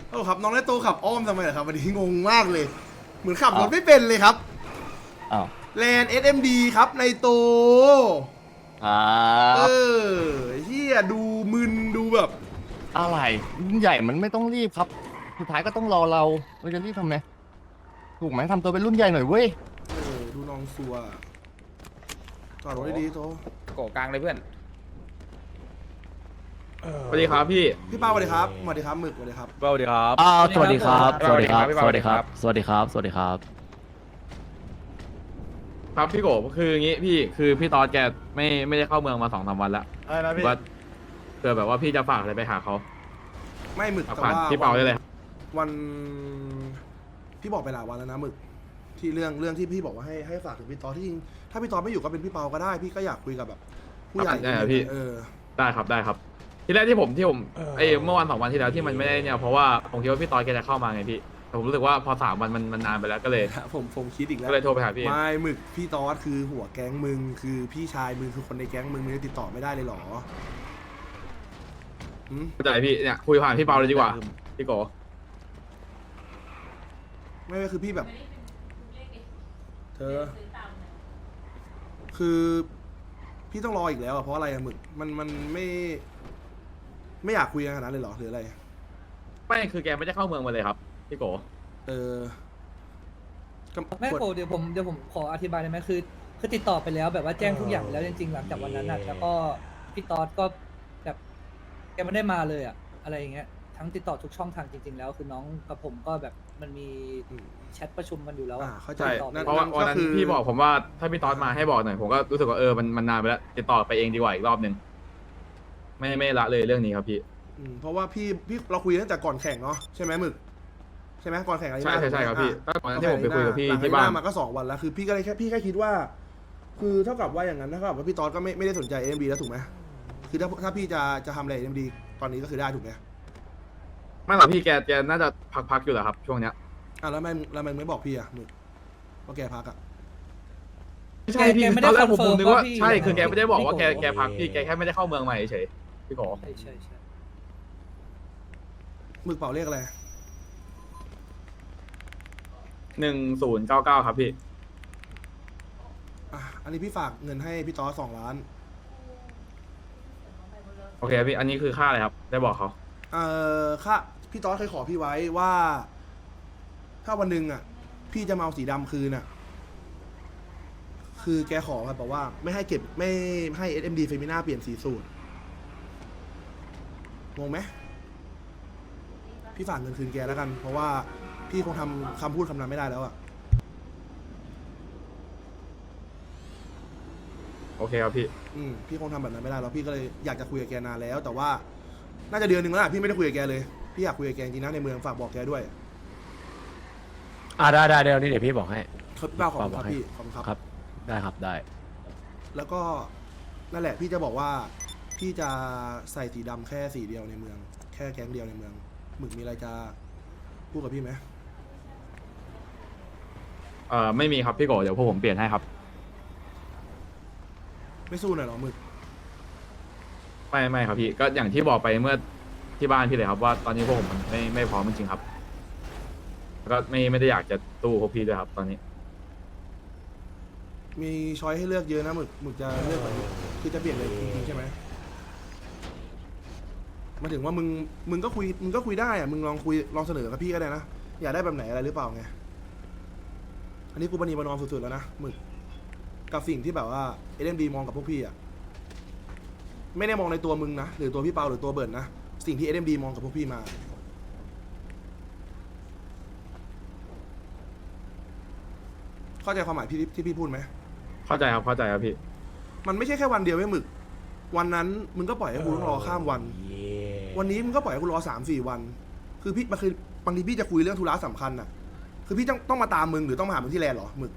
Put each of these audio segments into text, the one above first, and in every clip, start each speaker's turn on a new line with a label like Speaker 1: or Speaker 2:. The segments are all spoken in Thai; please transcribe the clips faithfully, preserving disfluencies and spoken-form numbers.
Speaker 1: โอ้ครับน้องได้โตขับอ้อมทำไมเหรอครับวันนี้งงมากเลยเหมือนขับรถไม่เป็นเลยครับ
Speaker 2: อ้าว
Speaker 1: แลน เอส เอ็ม ดี ครับในโต
Speaker 2: อ่า
Speaker 1: เออเฮียดูมึนดูแบบ
Speaker 2: อะไรรุ่นใหญ่มันไม่ต้องรีบครับ สุดท้ายก็ต้องรอเราเราจะรีบทำไมถูกไหมทำตัวเป็นรุ่นใหญ่หน่อยเว้ย
Speaker 1: เออดูน้องซัวจอดรถดีๆโต
Speaker 3: โกกลางเลยเพื่อน
Speaker 4: สวัสดีครับพี่
Speaker 1: พี่เป้าสวัสดีครับสวัสดีครับหมึกสวัสดีครับ
Speaker 4: สวัสดีครับ
Speaker 2: อ้าวสวัสดีครับ
Speaker 3: สวัสดีครับ
Speaker 2: สวัสดีครับ สวัสดีครับ สวัสดีครับ
Speaker 4: ครับพี่โกคืออย่างงี้พี่คือพี่ตอดแกไม่ไม่ได้เข้าเมืองมาสองสามวันแล้ว
Speaker 5: อะไรนะพี่
Speaker 4: ว่าเผื่อแบบว่าพี่จะฝากอะไรไปหาเขา
Speaker 1: ไม่หมึก
Speaker 4: ฝาก
Speaker 1: แต่
Speaker 4: ผ่าน
Speaker 1: ว่า
Speaker 4: พี่เปาได้เลยครับ
Speaker 1: วันพี่บอกไปหลายวันแล้วนะหมึกที่เรื่องเรื่องที่พี่บอกว่าให้ให้ฝากถึงพี่ตอที่จริงถ้าพี่ตอไม่อยู่ก็เป็นพี่เปาก็ได้ พี่ก็อยากคุยกับแบบผู้ใหญ่
Speaker 4: ได้ครับพี่
Speaker 1: เออ
Speaker 4: ได้ครับได้ครับ ที่แรกที่ผมที่ผมไอ้เมื่อวันสองวันที่แล้วที่มันไม่ได้เนี่ยเพราะว่าผมคิดว่าพี่ตอดแกจะเข้ามาไงพี่แต่ผมรู้สึกว่าพอสามวันมันมันนานไปแล้วก็เลย
Speaker 1: ผมผมคิดอีกแล้ว
Speaker 4: ก็เลยโทรไปหาพี่
Speaker 1: ไม่หมึกพี่ตอสคือหัวแก๊งมึงคือพี่ชายมึงคือคนในแก๊งมึงมึงจะติดต่อไม่ได้เลยเหรอหืม
Speaker 4: เข้าใจพี่เนี่ยคุยผ่านพี่เปาเลยดีกว่าพี่โก
Speaker 1: ไม่ไม่คือพี่แบบ เธอ คือพี่ต้องรออีกแล้วอะเพราะอะไรอะหมึกมันมันไม่ ไม่อยากคุยกันขนาดนั้นเลยเหรอหรืออะไร
Speaker 4: ไม่คือแกไม่ได้เข้าเมืองมาเลยครับพี่โก
Speaker 1: เออก็
Speaker 6: ไม่
Speaker 1: กด
Speaker 6: โกรธเดี๋ยวผมเดี๋ยวผมขออธิบายได้ไหมคือคือติดต่อไปแล้วแบบว่าแจ้งทุกอย่างไปแล้วจริงๆหลังจากวันนั้นน่ะแล้วก็พี่ตอดก็แบบแกไม่ได้มาเลยอะอะไรอย่างเงี้ยทั้งติดต่อทุกช่องทางจริง ๆ แล้วคือน้องกับผมก็แบบมันมี
Speaker 1: อืม
Speaker 6: แชทประชุมกันอยู่แล้วอะ
Speaker 1: อ่าเข้าใจ
Speaker 4: ใช่
Speaker 6: ติดต่อไป
Speaker 1: นั่น
Speaker 4: เพราะว่าวันนั้น
Speaker 1: ก็คือ
Speaker 4: พี่บอกผมว่าถ้าพี่ตอดมาให้บอกหน่อยผมก็รู้สึกว่าเออมันมันนานไปแล้วติดต่อไปเองดีกว่าอีกรอบหนึ่งไม่ไม่ละเลยเรื่องนี้ครับพี่
Speaker 1: อืมเพราะว่าพี่พี่เราคุยตั้งแต่ก่อนแข่งเนาะใช่ไหมหมึกใช่ไหมก่อนแข่งอะไร
Speaker 4: ใช่ใช่ใช่ครับพี่ก็ตอนนั้นที่ผมไปคุยกับพี่
Speaker 1: หลัง
Speaker 4: ที่บ้าน
Speaker 1: มาก็สองวันแล้วคือพี่ก็เลยแค่พี่แค่คิดว่า คือเท่ากับว่าอย่างนั้นเท่ากับว่าพี่ตอสก็ไม่ไม่ได้สนใจเอ็มดีแล้วถูกไหมคือถ้าถ้าพี่จะจะทำอะไรเอ็มดีตอนนี้ก็คือได้ถูกไหม
Speaker 4: ไม่หรอกพี่แกแกน่าจะพักๆอยู่แหละครับช่วงเนี้ย
Speaker 1: อ่ะแล้วทำไมแล้วทำไมไม่บอกพี่อ่ะหมึกว่าแกพักอ่ะ
Speaker 4: ไม่ใช่พี่
Speaker 6: แกไม่
Speaker 4: ต
Speaker 6: ได้
Speaker 4: อนแรกผม
Speaker 6: คอน
Speaker 4: ผม
Speaker 6: เฟิร์ม
Speaker 4: นึกว่า
Speaker 6: ว่าพี่
Speaker 4: ใช่คือแกไม่ได้บอกว่าแก
Speaker 6: พี่โก
Speaker 4: แกพักพี่แกแค่ไม่ได้เข้าเมืองใหม่เฉยพี่โก
Speaker 6: ใช่ใช่ใช่
Speaker 1: หมึกเป่าเรียกอะไร
Speaker 4: หนึ่งศูนย์เก้าเก้าครับพี่
Speaker 1: อ่ะอันนี้พี่ฝากเงินให้พี่ตอสสองล้าน
Speaker 4: โอเคพี่อันนี้คือค่าอะไรครับ ได้บอกเขา
Speaker 1: เอ่อค่าพี่ตอสเคยขอพี่ไว้ว่า ถ้าวันหนึ่งอ่ะ พี่จะมาเอาสีดำคืนอ่ะ คือแกขอแบบบอกว่า ไม่ให้เก็บไม่ให้ เอส เอ็ม ดี เฟมิน่าเปลี่ยนสีสูตรงงไหมพี่ฝากเงินคืนแกแล้วกัน เพราะว่าพี่คงทำคำพูดคำนั้นไม่ได้แล้วอ่ะ
Speaker 4: โอเคครับพี่
Speaker 1: อืมพี่คงทำแบบนั้นไม่ได้แล้วพี่ก็เลยอยากจะคุยกับแกนานแล้ว แต่ว่า น่าจะเดือนหนึ่งแล้วล่ะพี่ไม่ได้คุยกับแกเลยพี่อยากคุยกับแกจริงนะในเมืองฝากบอกแกด้วย
Speaker 5: อ่าได้ได้เดี๋ยวนี้เดี๋ยวพี่บอกให้
Speaker 1: ครับพี่เป้าขอบคุณค
Speaker 5: บ
Speaker 1: รั
Speaker 5: อบ กให้
Speaker 1: พี่ขอบคุณครับ
Speaker 5: ครับ ได้ครับได้
Speaker 1: แล้วก็นั่นแหละพี่จะบอกว่า พี่จะใส่สีดำแค่สีเดียวในเมือง แค่แก๊งเดียวในเมืองหมึกมีอะไรจะพูดกับพี่ไหม
Speaker 4: เอ่อไม่มีครับพี่โกเดี๋ยวพวกผมเปลี่ยนให้ครับ
Speaker 1: ไม่สู้หน่อยเหรอหมึก
Speaker 4: ไม่ไม่ครับพี่ก็อย่างที่บอกไปเมื่อที่บ้านพี่เลยครับว่าตอนนี้พวกผมมันไม่ไม่พร้อมจริงๆครับแล้วก็ไม่ไม่ได้อยากจะตู้พวกพี่ด้วยครับ ตอนนี้
Speaker 1: มีช้อยให้เลือกเยอะนะหมึกหมึกจะเลือกแบบคือจะเปลี่ยนเลยจริงๆใช่ไหมหมายถึงว่ามึงมึงก็คุยมึงก็คุยได้อะมึงลองคุยลองเสนอกับพี่ก็ได้นะอยากได้แบบไหนอะไรหรือเปล่าไงอันนี้กูปณีประนอมสุดๆแล้วนะหมึกกับสิ่งที่แบบว่าเอเดนดีมองกับพวกพี่อะไม่ได้มองในตัวมึงนะหรือตัวพี่เปาหรือตัวเบิร์ดนะสิ่งที่เอเดนดีมองกับพวกพี่มา เข้าใจความหมายพี่ที่พี่พูดไหม
Speaker 4: เข้าใจครับเข้าใจครับพี่
Speaker 1: มันไม่ใช่แค่วันเดียวไว้หมึก วันนั้นมึงก็ปล่อยให้กูต้องรอข้ามวัน วันนี้มึงก็ปล่อยให้กูรอสามสี่วัน คือพี่มันคือบางทีพี่จะคุยเรื่องธุระสำคัญน่ะ คือพี่ต้องต้องมาตามมึงหรือต้องมาหามึงที่แลนด์เหรอหมึก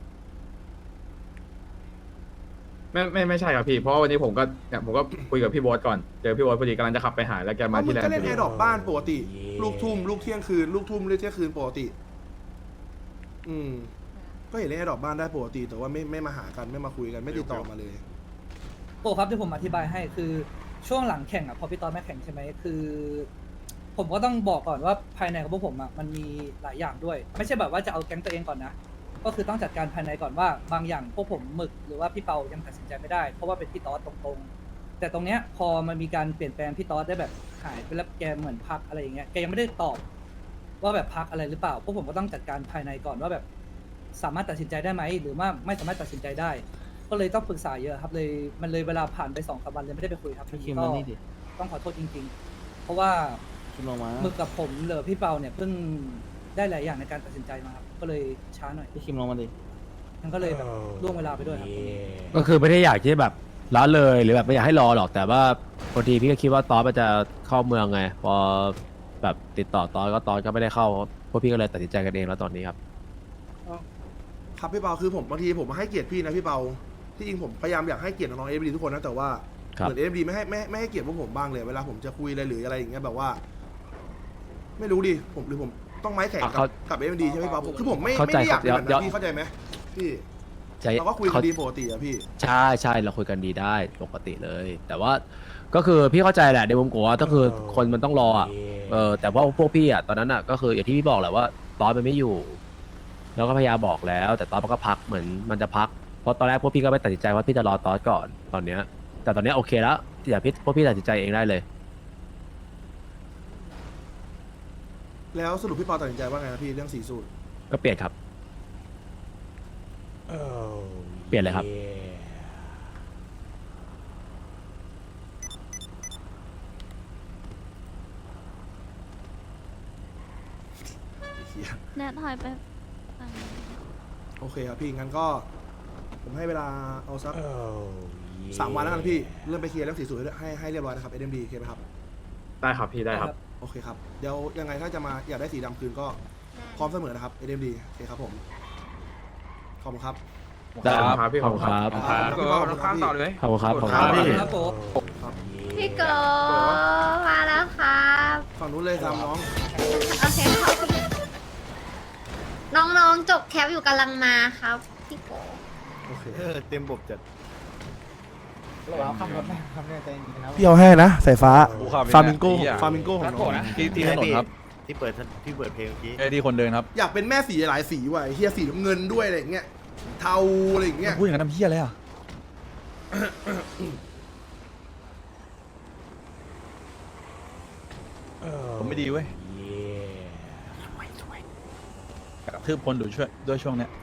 Speaker 4: ไม่ไม่ไม่ใช่ครับพี่เพราะว่าวันนี้ผมก็เนี่ยผมก็คุยกับพี่โบอสก่อนเจอพี่โบอสพอดีกำลังจะขับไปหาแล้วแก
Speaker 1: เพ
Speaker 4: มา
Speaker 1: ราะมึ
Speaker 4: ที่
Speaker 1: ง
Speaker 4: แลน
Speaker 1: ก็
Speaker 4: ด์
Speaker 1: เล่น
Speaker 4: พ
Speaker 1: แอ
Speaker 4: อดี
Speaker 1: ร์ดรอปบ้านปกติ ลูกทุ่มลูกเที่ยงคืน ลูกทุ่มลูกเที่ยงคืนปกติ อืม ก็เห็นเล่นแอร์ดรอปบ้านได้ปกติ แต่ว่าไม่ไม่มาหากันไม่มาคุยกันไม่ติดต่อมาเลย
Speaker 6: โกรธครับที่ผมอธิบายให้คือช่วงหลังแข่งอ่ะพอพี่ตอดไม่แข่งใช่ไหมคือผมก็ต้องบอกก่อนว่าภายในของพวกผมอ่ะมันมีหลายอย่างด้วย ไม่ใช่แบบว่าจะเอาแก๊งตัวเองก่อนนะ ก็คือต้องจัดการภายในก่อนว่าบางอย่างพวกผมหมึกหรือว่าพี่เปายังตัดสินใจไม่ได้เพราะว่าเป็นพี่ต๊อดตรงๆ แต่ตรงเนี้ยพอมันมีการเปลี่ยนแปลงพี่ต๊อดได้แบบหายไปแล้วแกเหมือนพักอะไรอย่างเงี้ยแกยังไม่ได้ตอบว่าแบบพักอะไรหรือเปล่าพวกผมก็ต้องจัดการภายในก่อนว่าแบบสามารถตัดสินใจได้ไหมหรือว่าไม่สามารถตัดสินใจได้ ก็เลยต้องปรึกษาเยอะครับเลยมันเลยเวลาผ่านไปสองสามวันเลยไม่ได้ไปคุยครับทีนี้ก็ต้องขอโทษจริง ๆ เพราะว่าหมึกกับผมเหลือพี่เปาเนี่ยเพิ่งได้หลายอย่างในการตัดสินใจมาครับก็เลยช้าหน่อยพี่คิมลงมาดิมันก็เลยแบบล่วงเวลาไปด้วยครับ
Speaker 5: ก็คือไม่ได้อยากที่แบบละเลยหรือแบบไม่อยากให้รอหรอกแต่ว่าพอดีพี่ก็คิดว่าตอนมันจะเข้าเมืองไง พอแบบติดต่อตอนก็ตอนก็ไม่ได้เข้าพวกพี่ก็เลยตัดสินใจกันเองแล้วตอนนี้ครับ
Speaker 1: ครับพี่เปาคือผมบางทีผมมาให้เกียรติพี่นะพี่เปาที่จริงผมพยายามอยากให้เกียรติน้องๆเอฟดีทุกคนนะแต่ว่า
Speaker 5: ครับ
Speaker 1: เหมือนเอฟดีไม่ให้ไม่ไม่ให้เกียรติพวกผมบ้างเลยเวลาผมจะคุยอะไรหรืออะไรอย่างเงี้ยแบบว่า ไม่รู้ดิผมหรือผมต้องไม้แข็ง
Speaker 5: อ่ะ
Speaker 1: กับ
Speaker 5: เขา
Speaker 1: กับเอฟดีใช่ไหมพี่เปาผมคือผมไม่
Speaker 5: เข้า
Speaker 1: ไม่
Speaker 5: ใจ
Speaker 1: ได้อยากเป็น
Speaker 5: ค
Speaker 1: แบ
Speaker 5: รับบ
Speaker 1: นั้น
Speaker 5: เดี๋ยว
Speaker 1: พี่เข้าใจไหมพี่
Speaker 5: ใจ
Speaker 1: เราก็คุยกันดีปกติอะพี่
Speaker 5: ใช่ใช่เราคุยกันดีได้ปกติเลย แต่ว่าก็คือพี่เข้าใจแหละในมุมกูว่าก็คือคนมันต้องรออ่ะเออแต่ว่าพวกพี่อ่ะตอนนั้นอ่ะก็คืออย่างที่พี่บอกแหละว่าตอนมันไม่อยู่ แล้วก็พยายามบอกแล้ว แต่ตอนมันก็พักเหมือนมันจะพักเพราะตอนแรกพวกพี่ก็ไม่ตัดสินใจว่าพี่จะรอตอนก่อนตอนเนี้ยแต่ตอนเนี้ยโอเคแล้วอย่าพี่พวกพี่ตัดสินใจเองได้เลย
Speaker 1: แล้วสรุปพี่เปาตัดสินใจว่าไงนะพี่เรื่องสีสูตร
Speaker 5: ก็เปลี่ยนครับ เปลี่ยนเลยครับ
Speaker 1: เหี้ย
Speaker 3: แนทถอยไปฝั่งนี้
Speaker 1: โอเคครับพี่งั้นก็ ผมให้เวลาเอาสักสามวันแล้วกันพี่เริ่มไปเคลียร์เรื่องสีสูตรให้ให้เรียบร้อยนะครับเอ็มดีโอเคไหมครับ
Speaker 4: ได้ครับพี่ได้ครับ
Speaker 1: โอเคครับ เดี๋ยวยังไงถ้าจะมาอยากได้สีดำคืนก็พร้อมเสมอนะครับ เอ็มดีโอเคครับผม ขอบคุณครับ
Speaker 5: ได้ครับ
Speaker 4: ครับพี่
Speaker 5: ขอบคุณครับ
Speaker 1: ครับพี่เปาขอบคุณครับพี่
Speaker 5: ขอบคุณครับขอบคุณ
Speaker 1: ค
Speaker 5: ค
Speaker 1: รั
Speaker 5: รับ บ
Speaker 1: พี่
Speaker 6: ครับโป๊ะ
Speaker 3: พี่โกมาแล้วครับ
Speaker 1: ฝั่งนู้นเลยตามน้อง
Speaker 3: โอเคครับน้องๆจบแคปอยู่กำลังมาครับพี่โก
Speaker 1: โอเค
Speaker 2: เต็มบบจัด
Speaker 1: พี่เอาให้นะสายฟ้า
Speaker 7: กูขับ
Speaker 1: ฟามิงโก้
Speaker 7: ไอ้เหี้ย
Speaker 1: ฟามิงโก้ของน้อง
Speaker 7: ที่ที่ถนนครับ
Speaker 2: ที่เปิดที่เปิดเพลงเมื่อกี้
Speaker 7: ไอ้ที่คนเดินครับ
Speaker 1: อยากเป็นแม่สีหลายสีว่ะไอ้เฮียสีน้ำเงินด้วยอะไรอย่างเงี้ย เทาอะไรอย่างเงี้ย
Speaker 7: พูดอย่างนั้นทำเพี้ยอะไรอ่ะ ผมไม่ดีเว้ยกระทืบคนดูช่วยด้วยช่วงเนี้ย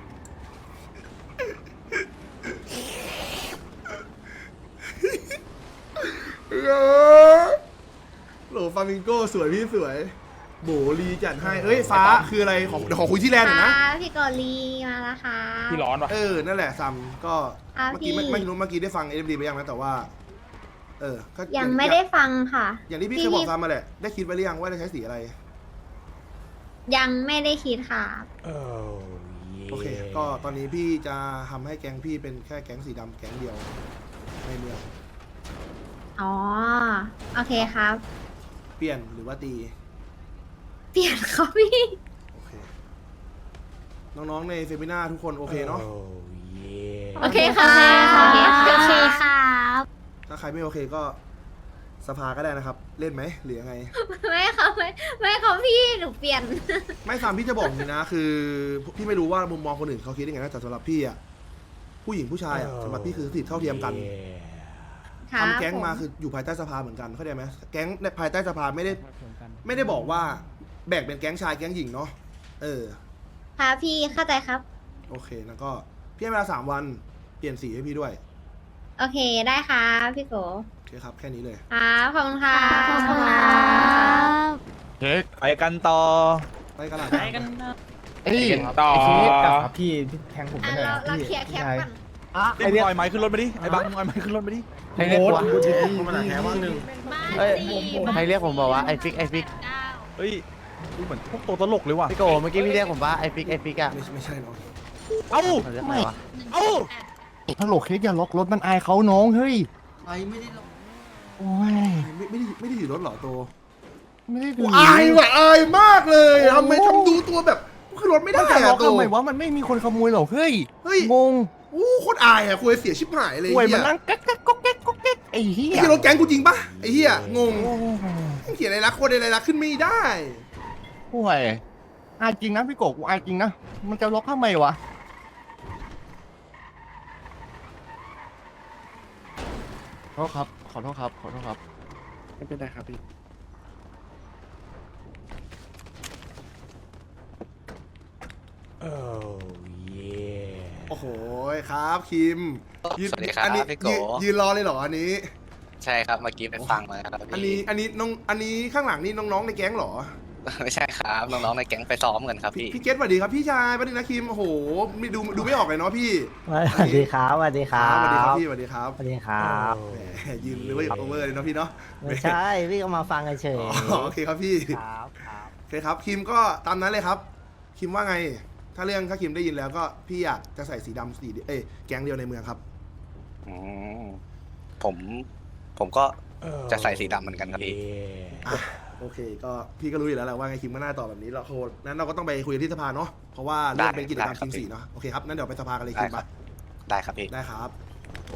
Speaker 1: โหลฟามิงโก้สวยพี่สวย โบลีจัดให้ เอ้ยฟ้าคืออะไรของเดี๋ยวขอคุยที่แลนด์หน่อยนะ
Speaker 3: ค่ะพี่โกลีมาแล้วค่ะ
Speaker 7: พี่ร้อนปะ
Speaker 1: เออ นั่นแหละซัมก็
Speaker 3: อ่ะ
Speaker 1: เมื่อกี้
Speaker 3: พี่
Speaker 1: ไม่ไม่รู้เมื่อกี้ได้ฟังเอ็มดีไปยังนะแต่ว่า เออก็
Speaker 3: ยังไม่ได้ฟังค่ะ
Speaker 1: อย่างที่พี่เคยบอกซัมมาแหละ ได้คิดไว้หรือยังว่าจะใช้สีอะไร
Speaker 3: ยังไม่ได้คิดค่ะ
Speaker 1: โอเค ก็ตอนนี้พี่จะทำให้แก๊งพี่เป็นแค่แก๊งสีดำแก๊งเดียวในเมือง
Speaker 3: อ๋อ โอเคครับ
Speaker 1: เปลี่ยนหรือว่าตี
Speaker 3: เปลี่ยนครับพี่
Speaker 1: โอเค น้องๆในเซมินาทุกคนโอเคเนาะ
Speaker 3: โอเคค่ะโอเคค่ะโอเคครับ
Speaker 1: ถ้าใครไม่โอเคก็สภาก็ได้นะครับ เล่นไหมหรือยังไง
Speaker 3: ไม่ค่ะไม่ไม่ค่ะพี่หนูเปลี่ยน
Speaker 1: ไม่ซ้ำพี่จะบอกอย่างนี้นะ คือพี่ไม่รู้ว่ามุมมองคนอื่นเขาคิดยังไงนะแต่สำหรับพี่อะผู้หญิงผู้ชายอะสำหรับพี่คือสิทธิเท่าเทียมกัน
Speaker 3: ครับ
Speaker 1: ทำแก๊งมา
Speaker 3: ผ
Speaker 1: คืออยู่ภายใต้สภาเหมือนกันเข้าใจไหมแก๊งในภายใต้สภาไม่ได้ไม่ได้บอกว่าแบ่งเป็นแก๊งชายแก๊งหญิงเนาะเออ
Speaker 3: ค่ะพี่เข้าใจครับ
Speaker 1: โอเคแล้วก็พี่ให้เวลาสามวันเปลี่ยนสีให้พี่ด้วย
Speaker 3: โอเคได้ค่ะพี่โก
Speaker 1: โอเคครับแค่นี้เลย
Speaker 3: ครับขอบคุณค่ะ
Speaker 2: ขอบคุณครับ
Speaker 7: เฮ้ยไปกันต่อ
Speaker 1: ไปกันละ
Speaker 6: ไปกัน
Speaker 2: เอ้ย
Speaker 7: ต่อ
Speaker 2: ไอ้เค้กกับ
Speaker 8: พี่พี่แทงผม
Speaker 3: อ่ะ
Speaker 8: ไปหน่อย
Speaker 3: เรา
Speaker 8: นะ
Speaker 3: เรา
Speaker 8: พี่
Speaker 3: เคลียร์แคป
Speaker 8: พี่ชาย
Speaker 3: ก่อน
Speaker 7: ไอ้มึงเอาไม้ขึ้นรถมาดิ ไอ้บังมึงเอาไม้ขึ้นรถมาดิ
Speaker 2: ให้เรียกว่า
Speaker 8: พูดดี
Speaker 6: มาแค่ว่าหนึ่ง
Speaker 2: เอ้ยให้เรียกผมบอกว่าไอฟิกไอฟิก
Speaker 7: เฮ้ยดูเหมือนพวกตัวตลกเลยว่ะ
Speaker 2: พี่โกเมื่อกี้พี่เรียกผมว่าไอฟิกไอฟิกอะ
Speaker 1: ไม่ไม่ใช่น้อง
Speaker 7: เอ้า
Speaker 2: เขาเรียกอะไรวะ
Speaker 7: เอ้า
Speaker 2: ฮัลโหลเค้กอย่าล็อกรถมันอายเขาน้องเฮ้ย
Speaker 6: ใครไม่ได้ลง
Speaker 2: โอ้ย
Speaker 1: ไม่ไม่ได้ไม่ได้ถือรถเหรอโต
Speaker 2: ไม่ได้
Speaker 1: กู
Speaker 2: ดู
Speaker 1: อายว่ะอายมากเลยทำไมทำดูตัวแบบขึ้นรถไม่ได้
Speaker 2: มันจะล็อ
Speaker 1: อะ
Speaker 2: ก
Speaker 1: โต
Speaker 2: ทำไมวะมันไม่มีคนขโมยหรอกเฮ้ย
Speaker 1: เฮ้ย
Speaker 2: งง
Speaker 1: อู้โคตรอายอะคุยเสียชิบหายเลย
Speaker 2: ป่วย
Speaker 1: ไอ้
Speaker 2: มัน
Speaker 1: เหี้ย
Speaker 2: นั่งแก๊กแก๊กก๊อกแก๊กก๊อกแก๊กไอ้เหี้ย
Speaker 1: ไอ้ที่รถแก๊งกูจริงปะไอ้เหี้ยงง
Speaker 2: โอ้โห
Speaker 1: ไเขียนอะไรรักคนอะไรรักขึ้นไม่ได้
Speaker 2: ห่วยอายจริงนะพี่โกกูอายจริงนะ มันจะล็อกทำไมวะ ขอโทษครับ ขอโทษครับ ขอโทษครับ
Speaker 8: ไม่เป็นไรครับพี่
Speaker 1: โอ้โหครับคิมยืน
Speaker 9: สวัสดีครับ
Speaker 1: อันนี้
Speaker 9: พี่โก
Speaker 1: ยืนยืนรอเลยเหรออันนี้
Speaker 9: ใช่ครับเมื่อกี้ไปฟังมาครับ
Speaker 1: อันนี้
Speaker 9: พี่
Speaker 1: อันนี้น้องอันนี้ข้างหลังนี่น้องๆในแก๊งเหรอ
Speaker 9: ไม่ใช่ครับน้องๆในแก๊งไปซ้อมกันครับ
Speaker 1: พี่
Speaker 9: พี่
Speaker 1: พี่เกตสวัสดีครับพี่ชายสวัสดีนะคิมโอ้โหไม่ดูดูไม่ออกเลยเนาะพี่
Speaker 10: สวัสดีครับสวัสดีค
Speaker 1: ค
Speaker 10: รั
Speaker 1: รับสวัสดีครับ
Speaker 10: บ
Speaker 1: พี่สวัสดีครับ
Speaker 10: สวัสดีครับ
Speaker 1: แหมยืนหรือว่าโอเวอร์เลยเนาะพี่เนาะ
Speaker 10: ไม่ใช่พี่ก็มาฟังเฉย
Speaker 1: อ๋อโอเคครับพี่
Speaker 10: ๆครับครับ
Speaker 1: โอเคครับคิมก็ตามนั้นเลยครับ คิมว่าไง ถ้าเรื่องถ้าคิมได้ยินแล้วก็พี่อยากจะใส่สีดำสีเดียวเอ้ยแก๊งเดียวในเมืองครับ
Speaker 9: อืมผมผมก็จะใส่สีดำเหมือนกันครับพี่
Speaker 1: อ่ะโอเค ก็พี่ก็รู้อยู่แล้วแหละว่าไงคิมก็น่าตอบแบบนี้เราโคนั้นเราก็ต้องไปคุยกันที่สภาเนาะเพราะว่าเรื่องเป็นกิจกรรม
Speaker 9: ได้ครับ
Speaker 1: คิมสีเนาะโอเคครับนั้นเดี๋ยวไปสภากันเลย
Speaker 9: ได้
Speaker 1: คิม
Speaker 9: ครั
Speaker 1: ปะ
Speaker 9: บ ได้ครับพี่
Speaker 1: ได้ครับ
Speaker 8: โอ้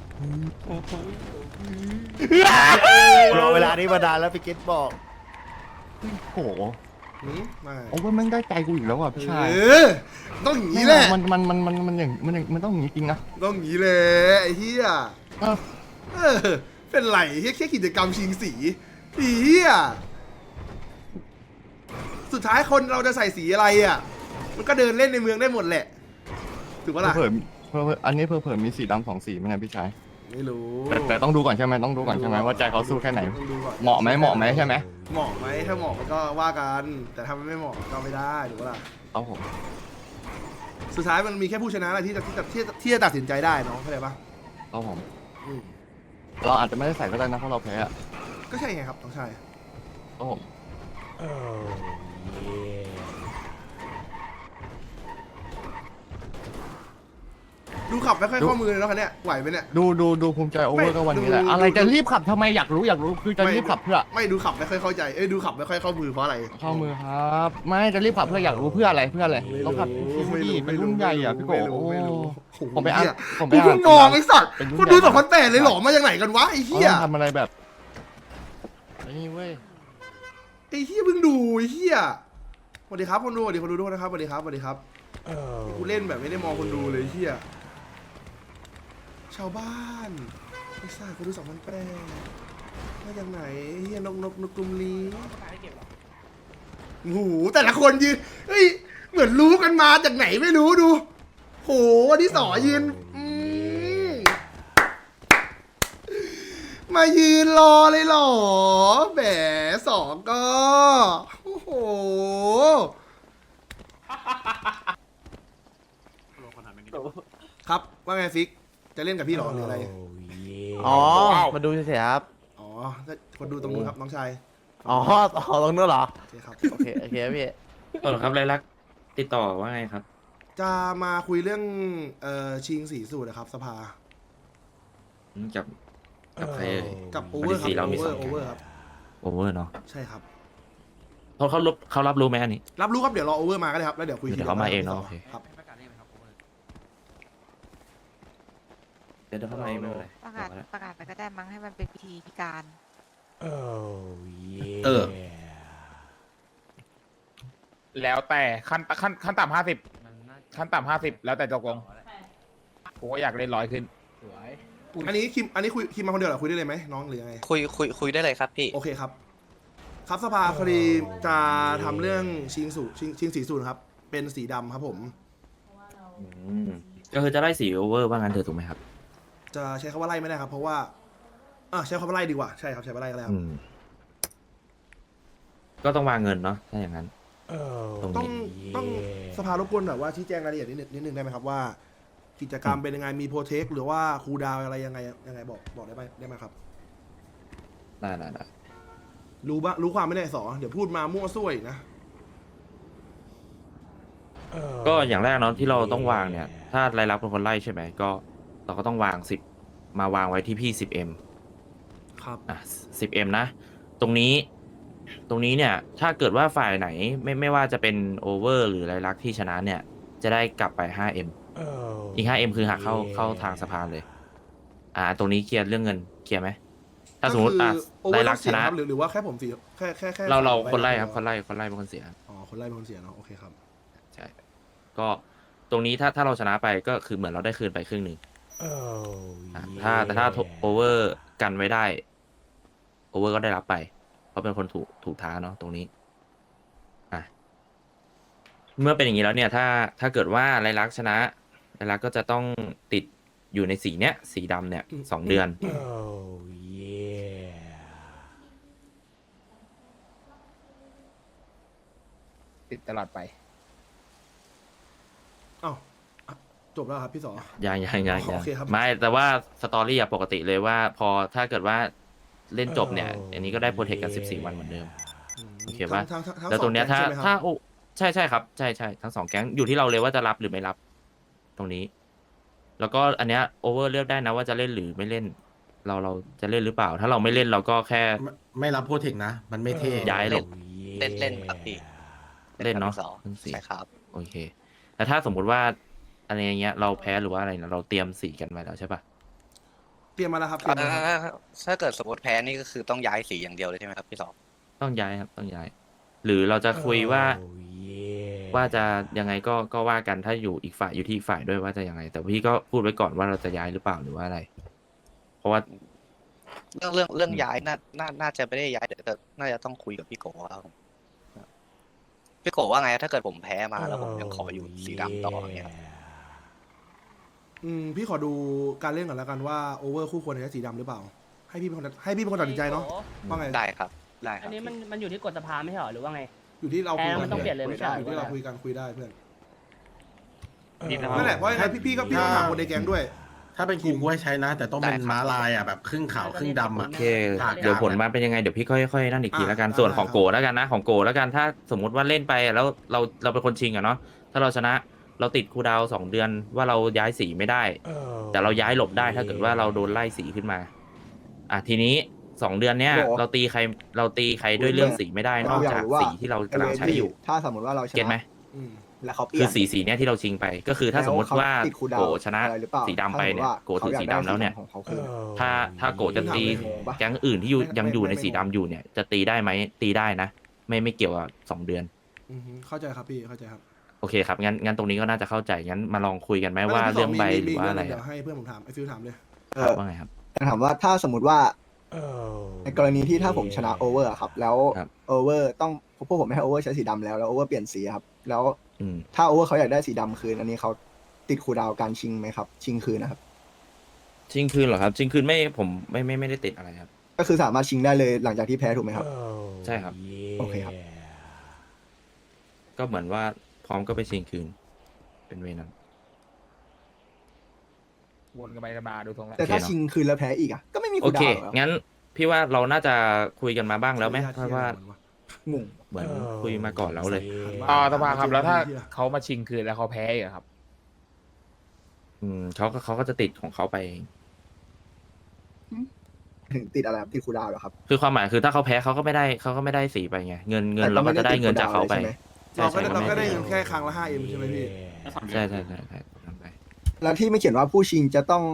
Speaker 10: รอเวลานี้มานานแล้วพี่เกตบอก
Speaker 2: โอ้โห
Speaker 1: หืมมา
Speaker 2: โอ้ว่าแม่งได้ใจกูอีกแล้วอ่ะพี่ชาย
Speaker 1: เออต้องอย่างนี้แหละ
Speaker 2: มันมันมันมันมันอย่างมันอย่างมันต้องอย่างนี้จริงนะ
Speaker 1: ต้องอย่างนี้เลยไอ้เหี้ย
Speaker 2: เออ
Speaker 1: เออเป็นไรแค่แค่กิจกรรมชิงสีไอ้เหี้ยสุดท้ายคนเราจะใส่สีอะไรอ่ะ มันก็เดินเล่นในเมืองได้หมดแหละถูกปะล่ะ
Speaker 2: เผื่อเผื่ออันนี้เผื่อเผื่อมีสีดำสองสีไหมเนะพี่ชาย
Speaker 1: ไม่รู้
Speaker 2: แต่แต่ต้องดูก่อนใช่ไหมต้องดูก่อนใช่ไหมว่าใจเขาสู้แค่ไหน
Speaker 1: ต้องดูก่อน
Speaker 2: เหมาะไหมเหมาะไหมใช่ไหม
Speaker 1: เหมาะไหมถ้าเหมาะมันก็ว่ากัน แต่ถ้ามันไม่เหมาะก็ไม่ได้ถูกปะล่ะ
Speaker 2: เอาผม
Speaker 1: สุดท้ายมันมีแค่ผู้ชนะแหละที่จะที่จะที่จะที่จะตัดสินใจได้น้องเข้าใจปะ
Speaker 2: เอาผม
Speaker 1: อืม
Speaker 2: เราอาจจะไม่ได้ใส่ก็ได้นะเพราะเราแพ้อะ
Speaker 1: ก็ใช่ไงครับน้องชาย
Speaker 2: เอาผม
Speaker 1: ดูขับไม่ค่อยข้อมือเลยเนาะคันเนี้ยไหวไหมเนี่ย
Speaker 2: ดูดูดูภูมิใจโอเวอร์ก็วันนี้แหละ
Speaker 1: ดู
Speaker 2: อะไร
Speaker 1: ดู
Speaker 2: จะรีบขับทำไมอยากรู้อยากรู้คือจะรีบขับเพื่อ
Speaker 1: ไม่ดูขับไม่ค่อยเข้าใจเอ้ยดูขับไม่ค่อยเข้ามือเพราะอะไร
Speaker 2: เข้ามือครับ ไม่จะรีบขับเพื่ออยากรู้เพื่ออะไรเพื่ออะไรต้องขับชิวๆดิเป็นรุ่นใหญ่อ่ะพี่โก
Speaker 1: ไม่รู้
Speaker 2: โอ้
Speaker 1: ไม่รู้โอ้โห
Speaker 2: ผมไปอ่าน
Speaker 1: เหี้ย
Speaker 2: ผมไป
Speaker 1: กู
Speaker 2: อ่า
Speaker 1: เพิ่
Speaker 2: น
Speaker 1: งมองไอ้สัตว์
Speaker 2: เป็นรุ่น
Speaker 1: คุณดู
Speaker 2: ใหญ่
Speaker 1: สองพันแปดเลยเหรอมาจากไหนกันวะไอ้
Speaker 2: เขา
Speaker 1: เหี้ย
Speaker 2: ต้องทำอะไรแบบไอ้นี่เว้ย
Speaker 1: ไอ้เหี้ยเพิ่งดูไอ้เหี้ยสวัสดีครับคนดูสวัสดีคนดูทุกคนนะครับสวัสดีครับสวัสดีครับกูเล่นแบบไม่ได้มองคนดูเลยไอ้เหี้ยชาวบ้านไอ้สัตว์คนดูสองพันแปดมาจากไหนไอ้เหี้ยนกนกนกกลุ่มนี้โอ้โหแต่ละคนยืนเฮ้ยเหมือนรู้กันมาจากไหนไม่รู้ดูโหวันที่สอยืนอืมมายืนรอเลยเหรอแหมสองก็โอ้โหครับว่าไงฟิกจะเล่นกับพี่เหรอหรืออะไร
Speaker 10: อ๋อ มาดูเฉยๆครับ
Speaker 1: อ๋อก็คนดูตรงนู้นครับน้องชาย
Speaker 10: อ๋อต่อตรงนู้นเหรอ
Speaker 1: โอเคครับ
Speaker 10: โอเค โอเคพี่
Speaker 11: เออครับไรลักษณ์ติดต่อว่าไงครับ
Speaker 1: จะมาคุยเรื่องเอ่อชิงสีสูตรนะครับสภา
Speaker 11: กับกับใครเอ่ย
Speaker 1: กับโอเวอร์ครับ
Speaker 11: สีเรา
Speaker 1: โอ
Speaker 11: มี
Speaker 1: เว
Speaker 11: ส
Speaker 1: อ
Speaker 11: อง
Speaker 1: ร์โอเวอร์ครับ
Speaker 11: โอเวอร์เนาะ
Speaker 1: ใช่ครับ
Speaker 11: เขาเขารับเขารับรู้ไหมอันนี้
Speaker 1: รับรู้ครับเดี๋ยวรอโอเวอร์มาก็ได้ครับแล้วเดี๋ยวคุย
Speaker 11: เดี๋ยวเขามาเองเนอะโอเค
Speaker 1: ครับ
Speaker 11: เดี๋ยวเดี๋ยวเข้ามาเองไม่เป็นไร
Speaker 3: ประกาศประกาศไปก็ได้มั้งให้มันเป็นพิธีพิการ
Speaker 11: เออ
Speaker 7: แล้วแต่ขั้นขั้นขั้นต่ำห้าสิบขั้นต่ำห้าสิบแล้วแต่ตกลงผมก็อยากเล่นร้อยขึ้น
Speaker 1: อันนี้คิมอันนี้คุยคิมมาคนเดียวเหรอคุยได้เลยไหมน้องหรือยังไง
Speaker 9: คุยคุยคุยได้เลยครับพี่
Speaker 1: โอเคครับ ครับสภาพอดีจะทำเรื่องชิงสูตรชิงชิงสีสูตรครับ เป็นสีดำครับผม
Speaker 11: อืมก็คือจะไล่สีโอเวอร์ว่างั้นเถอะถูกไหมครับ
Speaker 1: จะใช้คำว่าไล่ไม่ได้ครับ เพราะว่าอ่าใช้คำว่าไล่ดีกว่าใช่ครับใช้คำว่าไล่ก็ได้ค
Speaker 11: อื
Speaker 1: รับ
Speaker 11: ม ก็ต้องวางเงินเนาะถ้าอย่างนั้นตรง
Speaker 1: ต้อง
Speaker 11: นี้
Speaker 1: ต้องสภารบกวนแบบว่าชี้แจงรายละเอียดนิดนึงนิดนึงได้ไหมครับว่า กิจกรรมเป็นยังไงมีโปรเทคหรือว่าคูลดาวน์อะไรยังไงยังไงบอกบอกได้ไหมได้ไหมครับ
Speaker 11: ได้ได้ได้
Speaker 1: รู้บ้างรู้ความไม่ได้สอเดี๋ยวพูดมามั่วซั่วอีกนะ
Speaker 11: ก็อย่างแรกเนาะที่เราต้องวางเนี่ย ถ้ารายรับเป็นคนไล่ใช่ไหมก็เราก็ต้องวางสิบมาวางไว้ที่พี่สิบเอ็ม
Speaker 1: ครับ
Speaker 11: อ่ะสิบเอ็มนะ ตรงนี้ ตรงนี้เนี่ย ถ้าเกิดว่าฝ่ายไหนไม่ไม่ว่าจะเป็นโอเวอร์หรือรายลักษณ์ที่ชนะเนี่ย จะได้กลับไป ห้าเอ็ม อีก ห้าเอ็ม คือหักเข้าเข้าทางสะพานเลย อ่า ตรงนี้เคลียร์เรื่องเงินเคลียร์ไหมถ้าสมมติอ่ะ
Speaker 1: โอเวอ
Speaker 11: ได้
Speaker 1: ร์
Speaker 11: รั
Speaker 1: รั
Speaker 11: ก
Speaker 1: ก
Speaker 11: ช
Speaker 1: ชนะ
Speaker 11: นะ
Speaker 1: หรือหรือว่าแค่ผมเสียแค่แค่แค่
Speaker 11: เราเรา
Speaker 1: สมใ
Speaker 11: คนไล่ครับ
Speaker 1: ใ
Speaker 11: คนไล่คนไล่เป็นคนเสีย
Speaker 1: อ๋อคนไล่เป็นคนเสียเนาะโอเคครับ
Speaker 11: ใช่ ก็ตรงนี้ถ้าถ้าเราชนะไปก็คือเหมือนเราได้คืนไปครึ่งหนึ่งอ่ะถ้าแต่ถ้าโอเวอร์กันไว้ได้โอเวอร์ก็ได้รับไป เพราะเป็นคนถูกถูกท้าเนาะตรงนี้อ่ะเมื่อเป็นอย่างนี้แล้วเนี่ย ถ้าถ้าเกิดว่าไรลักษณ์ชนะไรลักษณ์ก็จะต้องติดอยู่ในสีเนี้ยสีดำเนี่ยสองเดือน
Speaker 7: ติดตลอดไป
Speaker 1: อ้าวอ่ะจบแล้วครับพี่สอ
Speaker 11: ยังยังยัง
Speaker 1: อ๋อ
Speaker 11: ยัง
Speaker 1: โอเคครับ
Speaker 11: ไม่แต่ว่าสตอรี่อะปกติเลยว่า พอถ้าเกิดว่าเล่นจบเนี่ย อันนี้ก็ได้โปรเทคกันสิบสี่วันเหมือนเดิม
Speaker 1: ม
Speaker 11: โอเคปะ
Speaker 1: ทั้งทั้งทั้ง
Speaker 11: แล้วตรงเนี้ย
Speaker 1: สอ
Speaker 11: ถ้า
Speaker 1: แก๊งใช่ไหมครับ
Speaker 11: ถ้าโอใช่ใช่ครับใช่ใช่ทั้งสองแก๊งอยู่ที่เราเลยว่าจะรับหรือไม่รับ ตรงนี้ แล้วก็อันเนี้ยโอเวอร์เลือกได้นะว่าจะเล่นหรือไม่เล่น เราเราจะเล่นหรือเปล่า ถ้าเราไม่เล่นเราก็แค่
Speaker 10: ไม่ไม่รับโปรเทคนะ มันไม่เท่
Speaker 11: ย้ายหลบ
Speaker 9: เล่นเล่นครับพี่
Speaker 11: เล่นเนาะ
Speaker 9: ครับ
Speaker 11: เล่นสี
Speaker 9: ใช่ครับ
Speaker 11: โอเคแต่ถ้าสมมุติว่าอะไรอย่างเงี้ยเราแพ้หรือว่าอะไรนะเราเตรียมสีกันไว้แล้วใช่ปะ
Speaker 1: เตรียมมาแล้วครับเตรียมมาแล้วครับ
Speaker 9: ถ้าเกิดสมมติแพ้นี่ก็คือต้องย้ายสีอย่างเดียวเลยใช่ไหมครับพี่สอง
Speaker 11: ต้องย้ายครับต้องย้าย หรือเราจะคุยว่า ว่าจะยังไงก็ก็ว่ากันถ้าอยู่อีกฝ่ายอยู่ที่อีกฝ่ายด้วยว่าจะยังไง แต่พี่ก็พูดไว้ก่อนว่าเราจะย้ายหรือเปล่าหรือว่าอะไร เพราะว่า
Speaker 9: เรื่องเรื่องเรื่อง
Speaker 11: อืม
Speaker 9: ย้ายน่าน่าน่าจะไม่ได้ย้ายเดี๋ยวแต่น่าจะต้องคุยกับพี่โกครับผมพี่โกว่าไงถ้าเกิดผมแพ้มาแล้วผมยังขออยู่สีดำต่ออย่างเงี้ยครับ
Speaker 1: อืมพี่ขอดูการเล่นก่อนแล้วกันว่าโอเวอร์คู่ควรจะใช้สีดำหรือเปล่า ให้พี่เป็นคนให้พี่เป็นคนตัดสินใจเนาะว่าไง
Speaker 9: ได้ครับได้ค
Speaker 3: อั
Speaker 9: รั
Speaker 3: น
Speaker 9: บ
Speaker 3: นี้มันมันอยู่ที่กฎสภาไม่ใช่หรอหรือว่าไง
Speaker 1: อยู่ที่เราคุย
Speaker 3: แพ้
Speaker 1: กั
Speaker 3: มันต้องเปลี่ยนเลยไม่ใช่เหรอ
Speaker 1: อยู่ที่เราคุยกันคุยได้เพื่อน
Speaker 11: นี่นะครับ
Speaker 1: นั่นแหละเพราะยังไงพี่พี่ก็พี่ต้องถามคนในแก๊งด้วย
Speaker 10: ถ้าเป็นกูกูให้ใช้นะ แต่ต้องเป็น
Speaker 9: ได้ครับ
Speaker 10: ม้าลายอ่ะแบบครึ่งขาวครึ่งดำอ่ะ
Speaker 11: โอเค
Speaker 10: ผ่าน
Speaker 11: เดี๋ยว
Speaker 10: กลาง
Speaker 11: ผลมาเป็นยังไงเดี๋ยวพี่ค่อยๆนั่นอีกที
Speaker 1: อ่ะ
Speaker 11: แล้วกัน
Speaker 1: ได้
Speaker 11: ส่วนของ
Speaker 1: ครับ
Speaker 11: โกแล้วกันนะของโกแล้วกันถ้าสมมุติว่าเล่นไปแล้วเราเราเป็นคนชิงอะเนาะถ้าเราชนะเราติดคูลดาวน์สองเดือนว่าเราย้ายสีไม่ได้ แต่เราย้ายหลบได้ถ้าเกิดว่าเราโดนไล่สีขึ้นมา อ่ะทีนี้สองเดือนเนี้ย
Speaker 12: โห
Speaker 11: เราตีใครเราตีใครด้วยเรื่องสีไม่ได้นอกจากสีที่เรากำลังใช้อยู่
Speaker 12: ถ้าสมมติว่าเราช
Speaker 11: เก็ตไหม
Speaker 12: นะ
Speaker 1: อืม
Speaker 12: แล้วเขาเปลี่
Speaker 11: คื
Speaker 12: ย
Speaker 11: อน สีสีเนี้ยที่เราชิงไป ก็คือถ้าสมมติว่า
Speaker 12: แล้วเขติดคูลดาว
Speaker 11: โก
Speaker 12: น์
Speaker 11: ชนะ
Speaker 12: อะไรหรือเปล่า
Speaker 11: สีดำไปเนี่ย
Speaker 12: ถ้าสมมุติว่า
Speaker 11: โกถือสีดำแล้วเนี่ย
Speaker 12: ของเขาคือ
Speaker 11: ถ้าถ้าโกจะตี
Speaker 12: ไม่งงปะ
Speaker 11: แก๊งอื่นที่อยู่
Speaker 1: ไม่
Speaker 11: ยังอยู่ใน
Speaker 1: ไม่
Speaker 11: สีดำอยู่เนี่ย จะตีได้ไหมตีได้นะ ไม่ไม่เกี่ยวกับสองเดือน
Speaker 1: อืมเข้าใจครับพี่เข้าใจครับ
Speaker 11: โอเคครับงั้นงั้นตรงนี้ก็น่าจะเข้าใจงั้นมาลองคุยกันไหมว่า
Speaker 1: แล้วพี่ส
Speaker 11: เรื่องใบ
Speaker 1: มี
Speaker 11: หรือว่าอะไร
Speaker 1: มีเดี๋ย
Speaker 11: อะ
Speaker 1: วให้เพื่อนผมถามไอฟิวถามเลย
Speaker 12: เอ
Speaker 11: ครับ
Speaker 12: อ
Speaker 11: ว่าไงครับ
Speaker 12: แต่ถามว่าถ้าสมมติว่าในกรณีที่ถ้าผมชนะโอเวอร์ครับ แล้ว
Speaker 11: ครับ
Speaker 12: โอเวอร์ต้องพวกผมไม่ให้โอเวอร์ใช้สีดำแล้วแล้วโอเวอร์เปลี่ยนสีครับ แล้ว
Speaker 11: อืม
Speaker 12: ถ้าโอเวอร์เขาอยากได้สีดำคืน อันนี้เขาติดคูลดาวน์การชิงไหมครับ ชิงคืนนะครับ
Speaker 11: ชิงคืนเหรอครับชิงคืนไม่ผมไม่ไม่ไม่ได้ติดอะไรครับ
Speaker 12: ก็คือสามารถชิงได้เลยหลังจากที่แพ้ถูกไหมครับ
Speaker 11: ใช่ครับ
Speaker 12: โอเคครับ
Speaker 11: ก็เหมือนว่าพร้อมก็ไปชิงคืน เป็นเวนั้น
Speaker 7: วนกันไปกันมาดูทรงแล้ว
Speaker 12: แต่ถ้า
Speaker 11: โอเคเนอะ
Speaker 12: ชิงคืนแล้วแพ้อีกอ่ะก็ไม่มี
Speaker 11: โอ
Speaker 12: คูล
Speaker 11: เค
Speaker 12: ดาวน์หรอ
Speaker 11: งั้นพี่ว่าเราน่าจะคุยกันมาบ้างแล้วไหม
Speaker 1: ขออนุญต
Speaker 11: เพราะว่า
Speaker 1: เคลียร์ก่อนวะ
Speaker 12: งง
Speaker 11: เหมือนคุยมาก่อนแล้วเลย
Speaker 7: อ๋อสภาครับแล้วถ้า
Speaker 1: ที่ละ
Speaker 7: เขามาชิงคืนแล้วเขาแพ้อีกอะครับ
Speaker 11: อืมเขาก็เขาก็จะติดของเขาไป
Speaker 12: ถึงติดอะไรครับติดคูลดาวน์เหรอครับ
Speaker 11: คือความหมายคือถ้าเขาแพ้เขาก็ไม่ได้เขาก็ไม่ได้สีไปไงเงินเงินเราก็จะได้เงินจากเขาไป
Speaker 12: แต่ก็ม่ด้ติดคูลดาวน์ลยใช่หม
Speaker 11: ใช่
Speaker 1: เราก็
Speaker 11: ใช่
Speaker 1: ได้เราก็ได้
Speaker 11: ม่
Speaker 1: เงินแค่ครั้งละห้าเอ็มใช่ไหมพี่
Speaker 11: ใช่ใช่ใช่ใช่ทำไป
Speaker 12: แล้วที่ไม่เขียนว่าผู้ชิงจะต้อง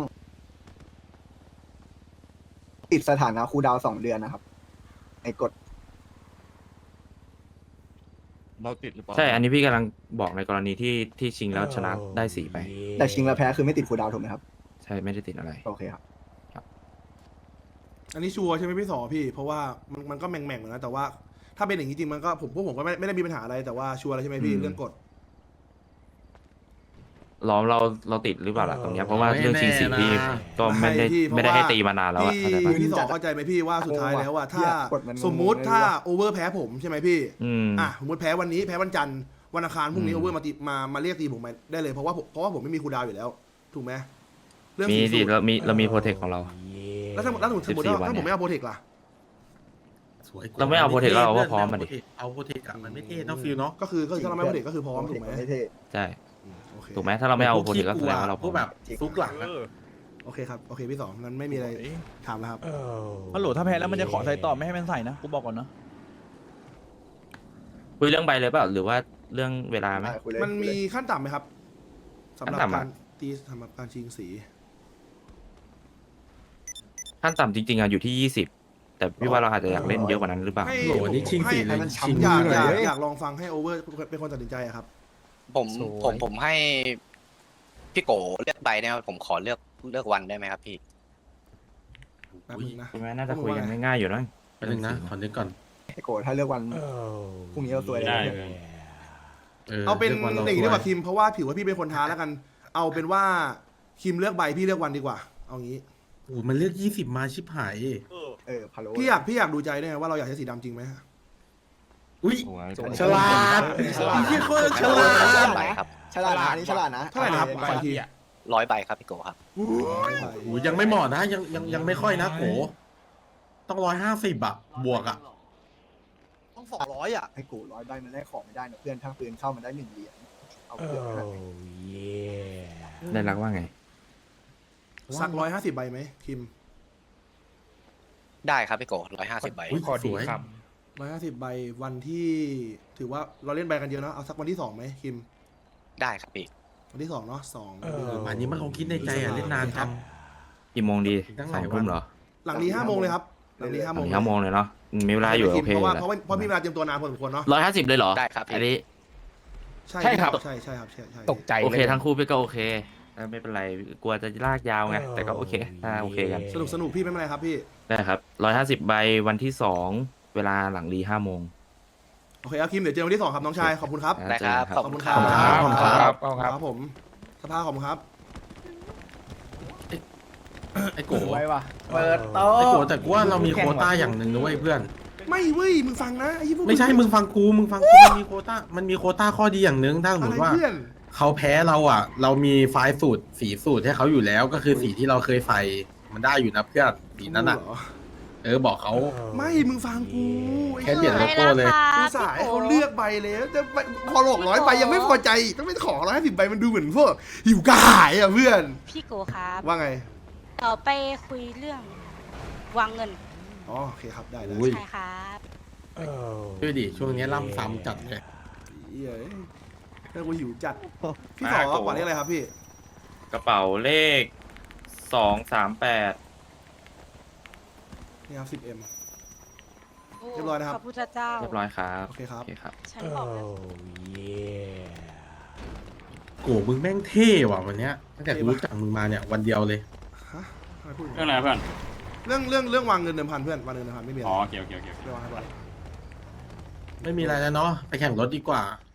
Speaker 12: ติดสถานะคูลดาวน์สองเดือนนะครับไอ้กฎ
Speaker 2: เราติดหรือเปล่า
Speaker 11: ใช่ อันนี้พี่กำลังบอกในกรณีที่ที่ชิงแล้วชนะได้สีไป
Speaker 12: แต่ชิงแล้วแพ้คือไม่ติดคูลดาวน์ถูกไหมครับ
Speaker 11: ใช่ไม่ได้ติดอะไร
Speaker 12: โอเคครับ
Speaker 1: อันนี้ชัวร์ใช่ไหมพี่สอพี่ เพราะว่ามันมันก็แม่งๆเหมือนกันแต่ว่า ถ้าเป็นอย่างนี้จริงมันก็ผมพวกผมก็ไม่ไม่ได้มีปัญหาอะไรแต่ว่าชัวร์แล้วใช่ไหมพี่
Speaker 11: อืม
Speaker 1: เรื่องกฎ
Speaker 11: ล้อมเราเราติดหรือเปล่าล่ะตรงเนี้ยเพราะว่าเรื่องชิงสีพี่ก็ไม่ได้
Speaker 1: พี่เพราะ
Speaker 11: ไม่ได้ให้
Speaker 1: ว่า
Speaker 11: ตีมานานแล้วอะ
Speaker 1: พี่
Speaker 11: เข้าใจปะ
Speaker 1: พี่สอเข้าใจไหมพี่ว่าสุดท้ายแล้วว่าถ้า
Speaker 12: เนี่ยกฎมันงง
Speaker 1: สมมุติถ้า
Speaker 12: เลยว่ะ
Speaker 1: โอเวอร์แพ้ผมใช่ไหมพี่
Speaker 11: อืม
Speaker 1: อ่ะสมมติแพ้วันนี้แพ้วันจันทร์วันอังคารพรุ่งนี้
Speaker 11: อืม
Speaker 1: โอเวอร์มาตีมามาเรียกตีผมมาได้เลยเพราะว่าผมเพราะว่าผมไม่มีคูลดาวน์อยู่แล้ว ถูกไหมเรื่อง
Speaker 11: มี
Speaker 1: สี
Speaker 11: ดิ
Speaker 1: สูตร
Speaker 11: เรามีเรามีโปรเทคของเรา
Speaker 1: แล้วถ้าแล้วสมมติสมมติ
Speaker 11: สิบสี่
Speaker 1: ว่า
Speaker 11: วัน
Speaker 1: ถ้าผม
Speaker 11: เนี่ย
Speaker 1: ไม่เอาโปรเทคล่ะ
Speaker 10: สวยกว่
Speaker 11: เราไม่เอาโปรเทคเราก็พร้อมมาดิ
Speaker 10: เอาโปรเทคอะมันไม่เท่เนอะฟิลเนาะ
Speaker 1: ก็คือก็คือถ้าเราไม่เอาโปรเทคก็คือพร้อมถูกไหม
Speaker 12: ไม่เท่
Speaker 11: ใช่
Speaker 1: อืมโอเค
Speaker 11: ถูกไหมถ้าเราไม่เอาโปรเทคก็แสดงว่าเราพ
Speaker 10: พ
Speaker 11: ร้
Speaker 10: ว
Speaker 11: อก ม
Speaker 10: แบบซุกหลังอะ
Speaker 1: โอเคครับโอเคพี่สองงั้นไม่มีอะไรถามแล้วครับ
Speaker 8: ฮัลโหลถ้าแพ้แล้วมันจะขอใส่ต่อไม่ให้มันใส่นะ กูบอกก่อนนะ
Speaker 11: คุยเรื่องใบเลยเปล่าหรือว่าเรื่องเวลาไหม
Speaker 12: อ่ะคุยเลย
Speaker 1: มันมีขั้นต่ำไหมครับสำหรับ
Speaker 11: ขั้นต่ำอะ
Speaker 1: การตีสำหรับการชิงสี
Speaker 11: ขั้นต่ำจริงๆอะอยู่ที่ยี่สิบแต่พี่ว่าเราอาจจะอยากเล่นเยอะกว่านั้นหรือเปล่า
Speaker 1: ให้
Speaker 10: โหนี่ชิงสี
Speaker 1: ให้
Speaker 10: เลย
Speaker 1: ให้
Speaker 10: ชิง
Speaker 1: อยาก
Speaker 10: มือ
Speaker 1: อยาก
Speaker 10: เลย
Speaker 1: อยากลองฟังให้โอเวอร์เป็นคนตัดสินใจอะครับ
Speaker 9: ผมผมผมให้พี่โกเลือกใบได้ไหมผมขอเลือกเลือกวันได้ไหมครับพี่
Speaker 1: แป๊บนึงนะ
Speaker 11: ใช่ไหมน่าจะคุยกันง่ายๆอยู่นะ
Speaker 10: ไปหนึ่งนะขอนึกก่อน
Speaker 12: ไอโกถ้าเลือกวันพรุ่งนี้เราตัวเลย
Speaker 1: เอาเป็น
Speaker 10: ลืกวั
Speaker 1: อย่างนี้ดีกว่า
Speaker 10: ส
Speaker 1: คิมเพราะว่าถือว่าพี่เป็นคนท้าแล้วกัน เอาเป็นว่าคิมเลือกใบพี่เลือกวันดีกว่า เอางี้
Speaker 10: โอ้โหมันเลือกยี่สิบมาชิบหาย
Speaker 12: เออพาโล
Speaker 1: พี่อยากพี่อยากดูใจด้วยไงว่าเราอยากใช้สีดำจริงไหม
Speaker 10: อุ้ย
Speaker 11: โอ้ย
Speaker 10: ฉลาด
Speaker 12: ฉลาด
Speaker 10: พี่โคตรฉลา
Speaker 9: ร้อย
Speaker 10: ด
Speaker 9: ใบครับ
Speaker 12: ฉลาดนะอันนี้ฉลาดนะ
Speaker 1: เท่าไหร่นะครับ
Speaker 12: โอ
Speaker 1: ขออีกที
Speaker 9: ร้อยใบครับพี่โกครับ
Speaker 10: โอ้โหยังไม่เหมาะนะยังยังยังไม่ค่อยนะโหต้องร้อยห้าสิบอะบวกอะ
Speaker 12: ต้องสองร้อยอ่ะไอโกร้อยใบมันได้ของไม่ได้นะเพื่อนถ้าปืนเข้ามันได้หนึ่งเหรียญเอาเพื่อนขนาดไหน
Speaker 11: ได้รักว่าไง
Speaker 1: สักร้อยห้าสิบใบไหมคิม
Speaker 9: ได้ครับพี่โกร้อยห้าสิบใบ
Speaker 10: อุ๊ย
Speaker 7: ขอ
Speaker 10: ส
Speaker 7: ดี
Speaker 10: วย
Speaker 7: ครับ
Speaker 1: ร้อยห้าสิบใบวันที่ ถือว่าเราเล่นใบกันเยอะเนาะเอาสักวันที่สองไหมคิม
Speaker 9: ได้ครับพี่
Speaker 1: วันที่สองเนาะสอง
Speaker 10: เอออันนี้มันคงคิดในใจอะเล่นนานจัง
Speaker 11: กี่โมงดี
Speaker 10: ตั้งห
Speaker 11: สอ
Speaker 10: ลาย
Speaker 11: ง
Speaker 10: วัน
Speaker 11: ทุ่มเหรอ
Speaker 1: หลังนี้ห้าโมงเลยครับ หลังนี้ห้า
Speaker 11: ส
Speaker 1: โม
Speaker 11: อง งห้าโมงเลยเนาะมีเวลาอยู่โอเค
Speaker 1: เพราะว่า
Speaker 11: แหละ
Speaker 1: เพราะว่าเพราะมีเวลาเตรียมตัวนานพอสมควรเนาะ
Speaker 11: ร้อยห้าสิบเลยเหรอ
Speaker 9: ได้ครับพี่
Speaker 11: อันนี้
Speaker 1: ใช่
Speaker 7: ใช่ครับ
Speaker 1: ใช่ใช่ครับใช่ใช่
Speaker 7: ตกใจ
Speaker 11: โอเค
Speaker 7: ลย
Speaker 11: ทั้งคู่พี่ก็โอเคไม่เป็นไรกลัวจะลากยาวไงแต่ก็โอเคถ้าโอเคกัน
Speaker 1: สนุกสนุกพี่ไม่เป็นไรครับพี่
Speaker 11: ได้ครับร้อยห้าสิบใบวันที่สองเวลาหลังรีห้าโมง
Speaker 1: โอเคเอาคิมเดี๋ยวเจอวันที่สองครับน้องชายขอบคุณครับ
Speaker 9: ได้ครับ
Speaker 11: เจอกัน
Speaker 9: ขอบคุณครับ
Speaker 1: ขอบคุณครับ
Speaker 7: ครับครับครับ
Speaker 1: ครับผมสภาขอบคุณครับ
Speaker 10: ไอ้โก
Speaker 8: ไว้ว่ะเปิดโต๊
Speaker 10: ไอ้โก
Speaker 8: ะ
Speaker 10: แต่กูว่าเรามีโควต้าอย่างหนึ่งนะเว้ยเพื่อน
Speaker 1: ไม่เว้ยมึงฟังนะไอ้พวก
Speaker 10: ไม่ใช่มึงฟังกูมึงฟังกูมันมีโควต้ามันมีโควต้าข้อดีอย่างหนึ่งถ้าสมม
Speaker 1: อะไร
Speaker 10: ติว่า
Speaker 1: เพื่อน
Speaker 10: เขาแพ้เราอ่ะ เรามีไฟล์สูตรสีสูตรให้เขาอยู่แล้ว ก็คือสีที่เราเคยใส่มันได้อยู่นะเพื่อนสีนั้นอ่ะ
Speaker 1: เหรอ
Speaker 10: เออบอกเขา
Speaker 1: ไม่มึงฟังกูไอ้
Speaker 10: แค่เปลี่ยนโลโก้เลย
Speaker 1: กูสายเขาเลือกใบแล้วจะไปพอหลอกร้อยใบยังไม่พอใจอีกต้องไปขอร้อยห้าสิบใบมันดูเหมือนพวกหิวกระหายอ่ะเพื่อน
Speaker 3: พี่โกครับ
Speaker 1: ว่าไง
Speaker 3: ต่อไปคุยเรื่องวางเงิน
Speaker 1: อ๋อโอเคครับได้ได้
Speaker 10: อุ้ย
Speaker 3: ใช่ครับ
Speaker 10: ดูดิช่วงนี้ล่ำซ้ำจัดเลย
Speaker 1: เหี้ยเรื่องกูหิวจัดพี่
Speaker 11: มา
Speaker 1: ขอ
Speaker 11: โก
Speaker 1: ก่อนเรียกอะไรครับพี่
Speaker 11: กระเป๋าเลขสองสามแปด
Speaker 1: นี่ครับสิบเอ็ม เรียบร้อยนะครับ
Speaker 3: พระพุทธเจ้า
Speaker 11: เรียบร้อยครับ
Speaker 1: โอเคครับ
Speaker 11: โอเคครับ
Speaker 3: ฉันบอกแล้ว
Speaker 10: โกมึงแม่งเท่ว่ะวันเนี้ยตั้งแต่กูรู้จักมึงมาเนี่ยวันเดียวเลย
Speaker 1: ฮะทำไมพูดอย่าง
Speaker 7: เรื่อ
Speaker 1: นี้
Speaker 7: งอะไรเพื่อน
Speaker 1: เรื่องเรื่องเรื่องวางเงินเดิมพันเพื่อนวางเงินเดิมพันไม่มีอะไร
Speaker 7: อ๋อโอเคโอเคโอเค
Speaker 1: เรื่องวางให้ก่อน
Speaker 10: ไม่มีอะไรแล้วเนาะไปแข่งรถดีกว่า